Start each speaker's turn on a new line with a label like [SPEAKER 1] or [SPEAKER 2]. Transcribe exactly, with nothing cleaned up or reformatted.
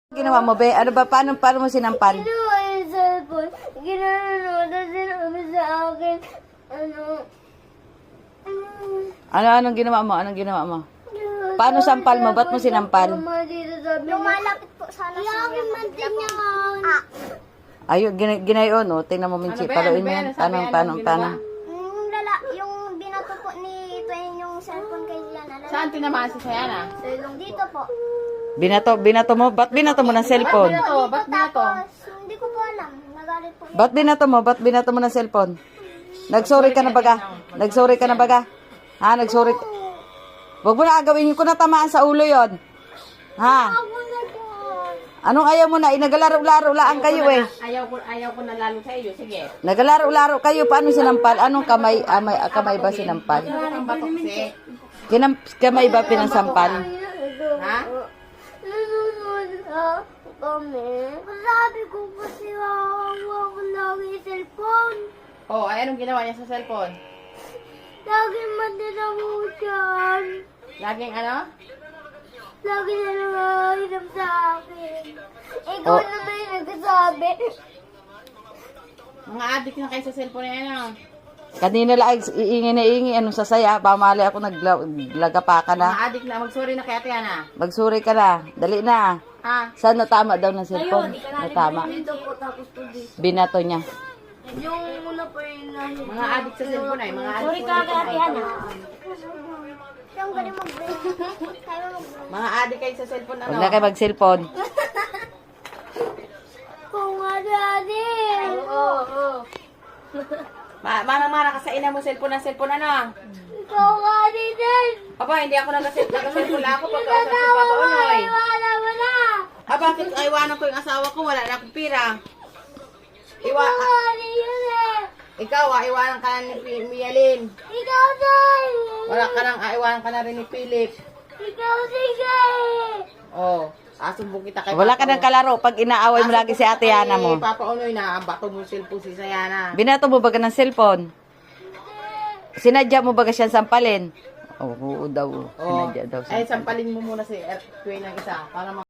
[SPEAKER 1] Ginawa mo, be? Ano ba? Paano, paano mo sinampal?
[SPEAKER 2] Ginawa yung cellphone. Ginanonood sinabi sa akin. Ano?
[SPEAKER 1] Ano, anong ginawa mo? Anong ginawa mo? Paano sampal mo? Ba't mo sinampal?
[SPEAKER 2] Lumalapit po sana sa akin. Mantin niya ah.
[SPEAKER 1] Ayun, gina, ginayon, oh. Tingnan mo, Minchi.
[SPEAKER 3] Ano ba yan?
[SPEAKER 1] Paluin
[SPEAKER 3] Ano
[SPEAKER 1] mo
[SPEAKER 3] ba
[SPEAKER 1] yan.
[SPEAKER 3] yan?
[SPEAKER 1] Paano,
[SPEAKER 3] Sabi,
[SPEAKER 1] paano,
[SPEAKER 3] anong
[SPEAKER 1] paano?
[SPEAKER 2] Yung lala, yung binato po ni Twain yung cellphone kay Liana.
[SPEAKER 3] Saan tinamaan si Sayana?
[SPEAKER 2] Dito po.
[SPEAKER 1] Binato, binato mo? Ba't binato mo ng cellphone?
[SPEAKER 3] Ba't binato? Ba't binato?
[SPEAKER 2] Tapos, hindi ko po alam. Nagalit po.
[SPEAKER 1] Ba't binato mo? Ba't binato mo ng cellphone? Nagsorry ka na baga? Nagsorry ka na baga? Ha? Nagsorry ka? Huwag mo na agawin ko na tamaan sa ulo yon. Ha?
[SPEAKER 2] Ako na po.
[SPEAKER 1] Anong ayaw mo na? Inagalaro-laro lang kayo eh.
[SPEAKER 3] Ayaw ko, ayaw ko na lalo sa iyo. Sige.
[SPEAKER 1] Nagalaro-laro kayo. Paano sinampal? Anong kamay? Amay, kamay ba sinampal?
[SPEAKER 3] Ang batok si.
[SPEAKER 1] Kinam, kamay ba pinansampal?
[SPEAKER 3] Ha?
[SPEAKER 2] Nanonood ha kami. Sabi ko po siya, hawa ko lagi yung cellphone.
[SPEAKER 3] Oh, ay anong ginawa niya sa cellphone?
[SPEAKER 2] Lagi madala mo dyan.
[SPEAKER 3] Laging ano?
[SPEAKER 2] Lagi na nangahiram sa akin. Ikaw
[SPEAKER 1] Oh.
[SPEAKER 2] naman yung nagsasabi.
[SPEAKER 3] Mga addict na kayo sa cellphone na yan ah.
[SPEAKER 1] Kanina lang, iingi na iingi. Anong sasaya? Pamali ako naglagapa ka
[SPEAKER 3] Mga
[SPEAKER 1] na.
[SPEAKER 3] addict na. Magsorry na kay Ate Ana.
[SPEAKER 1] Magsuri ka na. Dali na.
[SPEAKER 3] Ha?
[SPEAKER 1] Saan natama daw ng cellphone? Natama.
[SPEAKER 2] Dito po tapos po dito.
[SPEAKER 1] Binato niya.
[SPEAKER 2] Yung muna po yung nahin.
[SPEAKER 3] Mga addict sa cellphone ay. Mga addict.
[SPEAKER 2] Sorry ka kay Ate Ana. Siyang galing mag-break. Kaya mag-break.
[SPEAKER 3] Mga addict kayo sa cellphone ano?
[SPEAKER 1] Huwag na kayo mag-cellphone.
[SPEAKER 2] Kung nga daddy. Oo, oo.
[SPEAKER 3] Ma Mana-mana ka sa ina mo cellphone ng cellphone ano?
[SPEAKER 2] Ikaw nga din.
[SPEAKER 3] Aba, hindi ako nag-cellphone lang ako pagkausap si Papa Unoy.
[SPEAKER 2] Iwala mo na.
[SPEAKER 3] Ah, bakit iwanan ko yung asawa ko? Wala na akong pira. Iwa
[SPEAKER 2] Ikaw din yun eh.
[SPEAKER 3] Ikaw ah, iwanan ka na ni Pi- Mialin.
[SPEAKER 2] Ikaw din.
[SPEAKER 3] Wala ka nang, ah, iwanan ka na rin ni Philip.
[SPEAKER 2] Ikaw din eh.
[SPEAKER 3] Oh, asumbong kita kay
[SPEAKER 1] Wala ka
[SPEAKER 3] Papa
[SPEAKER 1] ng kalaro pag inaaway mo lagi si Ate Yana mo.
[SPEAKER 3] Kay Papa Unoy na bato mo cellphone si Sayana.
[SPEAKER 1] Binato mo baga ng cellphone? Sinadya mo baga siyang sampalin? Oo, oo daw.
[SPEAKER 3] Oh,
[SPEAKER 1] Sinadya daw.
[SPEAKER 3] ay
[SPEAKER 1] Sampalin.
[SPEAKER 3] sampalin mo muna si Er- Tuwing ng isa para